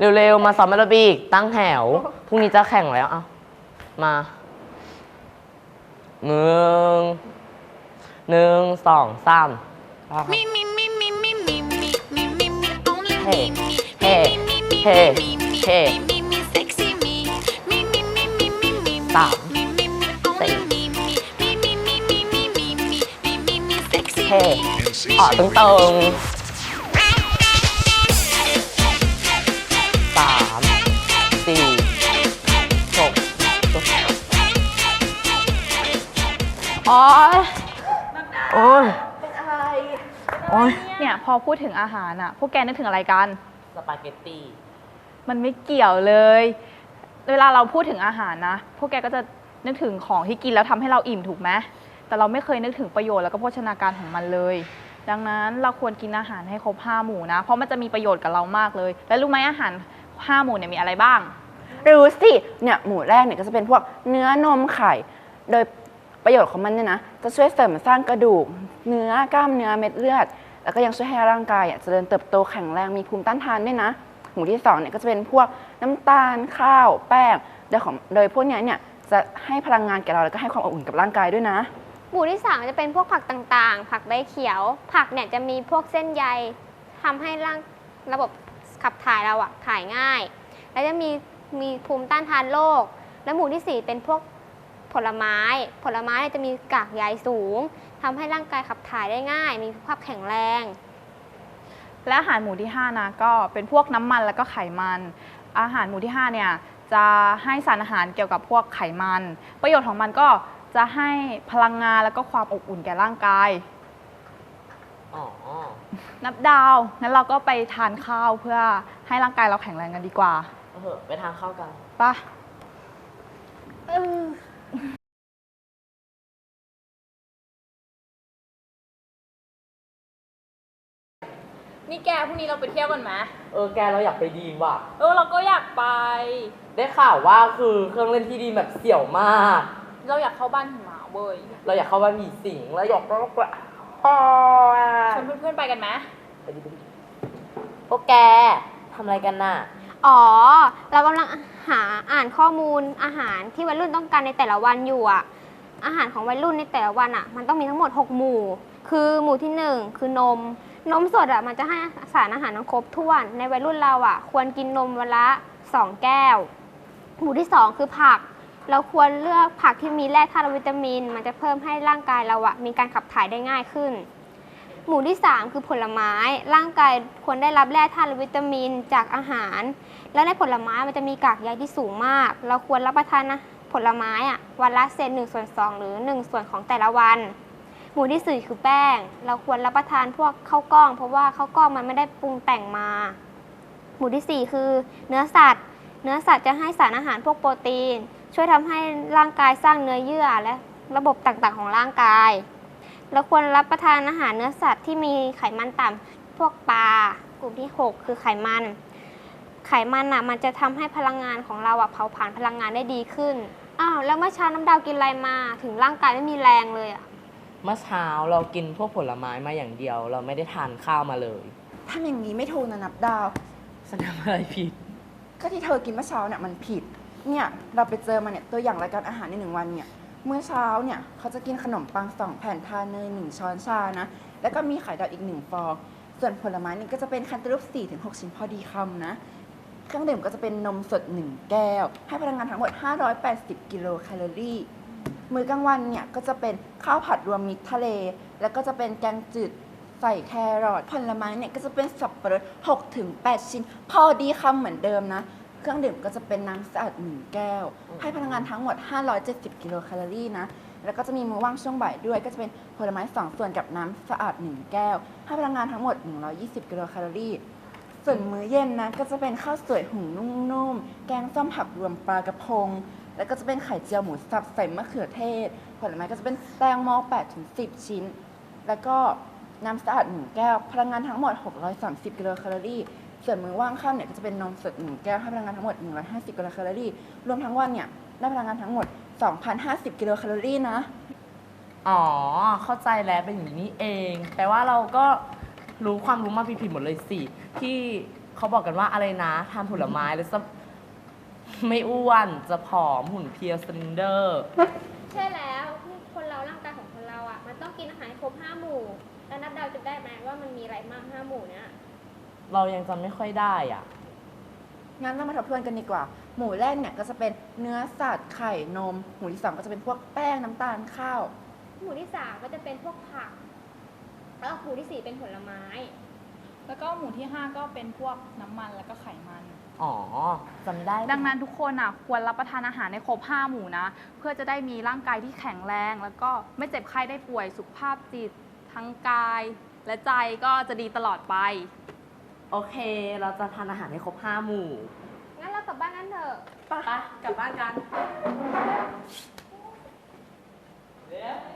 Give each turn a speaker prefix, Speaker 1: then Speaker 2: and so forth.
Speaker 1: เร็วๆมาซ้อมแอโรบิกตั้งแถวพรุ่งนี้จะแข่งแล้วเอามาหนึ่งสองสามเฮ้เฮ้เฮ้เฮ้สามสี่เฮ้ตึงสามสี่หกโอ๊ยโอ๊ยเป็นอะไรโอ๊ย
Speaker 2: เนี่ยพอพูดถึงอาหารอ่ะพวกแกนึกถึงอะไรกัน
Speaker 1: สปาเกตตี
Speaker 2: มันไม่เกี่ยวเลย เวลาเราพูดถึงอาหารนะพวกแกก็จะนึกถึงของที่กินแล้วทำให้เราอิ่มถูกไหมแต่เราไม่เคยนึกถึงประโยชน์แล้วก็โภชนาการของมันเลยดังนั้นเราควรกินอาหารให้ครบ5 หมู่นะเพราะมันจะมีประโยชน์กับเรามากเลยแล้วรู้ไหมอาหาร5 หมู่เนี่ยมีอะไรบ้าง
Speaker 3: รู้สิเนี่ยหมู่แรกเนี่ยก็จะเป็นพวกเนื้อนมไข่โดยประโยชน์ของมันเนี่ยนะจะช่วยเสริมสร้างกระดูกเนื้อกล้ามเนื้อเม็ดเลือดแล้วก็ยังช่วยให้ร่างกายเจริญเติบโตแข็งแรงมีภูมิต้านทานด้วยนะหมู่ที่2เนี่ยก็จะเป็นพวกน้ำตาลข้าวแป้งโดยพวกนี้เนี่ยจะให้พลังงานแก่เราแล้วก็ให้ความอบอุ่นกับร่างกายด้วยนะ
Speaker 4: หมู่ที่3จะเป็นพวกผักต่างๆผักใบเขียวผักเนี่ยจะมีพวกเส้นใยทำให้ระบบขับถ่ายเราถ่ายง่ายแล้วจะมีภูมิต้านทานโรคและหมู่ที่4เป็นพวกผลไม้จะมีกากใยสูงทำให้ร่างกายขับถ่ายได้ง่ายมีสุขภาพแข็งแรง
Speaker 2: และอาหารหมู่ที่5นะก็เป็นพวกน้ำมันแล้วก็ไขมันอาหารหมู่ที่5เนี่ยจะให้สารอาหารเกี่ยวกับพวกไขมันประโยชน์ของมันก็จะให้พลังงานแล้วก็ความอบอุ่นแก่ร่างกายนับดาวงั้นเราก็ไปทานข้าวเพื่อให้ร่างกายเราแข็งแรงกันดีกว่า
Speaker 1: ไปทานข้าวกัน
Speaker 2: ป่ะนี่แกพรุ่งนี้เราไปเที่ยวกันไหม
Speaker 1: แกเราอยากไปดีมว่ะ
Speaker 2: เราก็อยากไป
Speaker 1: ได้ข่าวว่าคือเครื่องเล่นที่ดีแบบเสี่ยวมาก
Speaker 2: เราอยากเข้าบ้านหิมะเว้ย
Speaker 1: เราอยากเข้าบ้านผีสิงแล้วอยาก
Speaker 2: ชวนเพื่อนๆไปกันไหม
Speaker 1: ไปดิพวกแกทำอะไรกันน่ะ
Speaker 4: เรากำลังอ่านข้อมูลอาหารที่วัยรุ่นต้องการในแต่ละวันอยู่อาหารของวัยรุ่นในแต่ละวันมันต้องมีทั้งหมด6 หมู่คือหมู่ที่1คือนมสดมันจะให้สารอาหารครบถ้วนในวัยรุ่นเราควรกินนมวันละ2 แก้วหมู่ที่2คือผักเราควรเลือกผักที่มีแร่ธาตุและวิตามินมันจะเพิ่มให้ร่างกายเรามีการขับถ่ายได้ง่ายขึ้นหมู่ที่3คือผลไม้ร่างกายควรได้รับแร่ธาตุและวิตามินจากอาหารและในผลไม้มันจะมีกากใยที่สูงมากเราควรรับประทานผลไม้วันละเศษ1/2หรือ1 ส่วนของแต่ละวันหมู่ที่4คือแป้งเราควรรับประทานพวกข้าวกล้องเพราะว่าข้าวกล้องมันไม่ได้ปรุงแต่งมาหมู่ที่4คือเนื้อสัตว์จะให้สารอาหารพวกโปรตีนช่วยทำให้ร่างกายสร้างเนื้อเยื่อและระบบต่างๆของร่างกายเราควรรับประทานอาหารเนื้อสัตว์ที่มีไขมันต่ำพวกปลากลุ่มที่6คือไขมันมันจะทำให้พลังงานของเราเผาผลาญพลังงานได้ดีขึ้นแล้วเมื่อเช้าน้ำดาวกินอะไรมาถึงร่างกายไม่มีแรงเลย
Speaker 1: เมื่อเช้าเรากินพวกผลไม้มาอย่างเดียวเราไม่ได้ทานข้าวมาเลย
Speaker 3: ทำอย่างนี้ไม่ถูกนะนับดาว
Speaker 1: ฉันทำอะไรผิด
Speaker 3: ก็ที่เธอกินเมื่อเช้าเนี่ยมันผิดเนี่ยเราไปเจอมาเนี่ยตัวอย่างรายการอาหารใน1 วันเนี่ยเมื่อเช้าเนี่ยเขาจะกินขนมปัง2 แผ่นทาเนย1 ช้อนชานะแล้วก็มีไข่ดาวอีก1 ฟองส่วนผลไม้นี่ก็จะเป็นแคนตาลูป4-6 ชิ้นพอดีคำนะเครื่องดื่มก็จะเป็นนมสด1 แก้วให้พลังงานทั้งหมด580 กิโลแคลอรี่มื้อกลางวันเนี่ยก็จะเป็นข้าวผัดรวมมิตรทะเลแล้วก็จะเป็นแกงจืดใส่แครอทผลไม้เนี่ยก็จะเป็นสับปะรด6-8 ชิ้นพอดีคำเหมือนเดิมนะเครื่องดื่มก็จะเป็นน้ำสะอาด1 แก้วให้พลังงานทั้งหมด570 กิโลแคลอรี่นะแล้วก็จะมีมื้อว่างช่วงบ่ายด้วยก็จะเป็นผลไม้2 ส่วนกับน้ำสะอาด1 แก้วให้พลังงานทั้งหมด120 กิโลแคลอรี่ส่วนมื้อเย็นนะก็จะเป็นข้าวสวยหุงนุ่มๆแกงส้มผักรวมปลากระพงแล้วก็จะเป็นไข่เจียวหมูสับใส่มะเขือเทศผลไม้ก็จะเป็นแตงโม8-10 ชิ้นแล้วก็น้ำสะอาด1 แก้วพลังงานทั้งหมด630 กิโลแคลอรี่ส่วนมื้อว่างค่ำเนี่ยก็จะเป็นนมสด1 แก้วให้พลังงานทั้งหมด150 กิโลแคลอรี่รวมทั้งวันเนี่ยได้พลังงานทั้งหมด 2,050 กิโลแคลอรี่นะ
Speaker 1: เข้าใจแล้วเป็นอย่างนี้เองแปลว่าเราก็รู้ความรู้มาผิดๆหมดเลยสิที่เขาบอกกันว่าอะไรนะทานผลไม้แล้วจะไม่อ้วนจะผอมหุ่นเพรียวสลินเดอร์
Speaker 4: ใช่แล้วคนเราร่างกายของคนเราอ่ะมันต้องกินอาหารให้ครบ5 หมู่แล้วนับเดาจะได้ไหมว่ามันมีอะไรบ้าง5 หมู่เนี้ย
Speaker 1: เรายังจำไม่ค่อยได้อ่ะ
Speaker 3: งั้นเรามาทบทวนกันดีกว่า หมู่แรกเนี่ยก็จะเป็นเนื้อสัตว์ไข่นม หมู่ที่สองก็จะเป็นพวกแป้งน้ำตาลข้าว
Speaker 4: หมู่ที่3ก็จะเป็นพวกผัก แล้วหมู่ที่4เป็นผลไม้
Speaker 2: แล้วก็หมู่ที่ 5 ก็เป็นพวกน้ำมันแล้วก็ไขมัน
Speaker 1: อ๋อจำได้
Speaker 2: ดังนั้นทุกคนอ่ะควรรับประทานอาหารในครบ5 หมู่นะ เพื่อจะได้มีร่างกายที่แข็งแรง แล้วก็ไม่เจ็บไข้ได้ป่วยสุขภาพจิต ทั้งกาย และใจก็จะดีตลอดไป
Speaker 1: โอเค เราจะทานอาหารให้ครบ5 หมู่
Speaker 4: งั้นเรากลับบ้านกันเถอะ
Speaker 1: ไปกลับบ้านกัน
Speaker 3: เ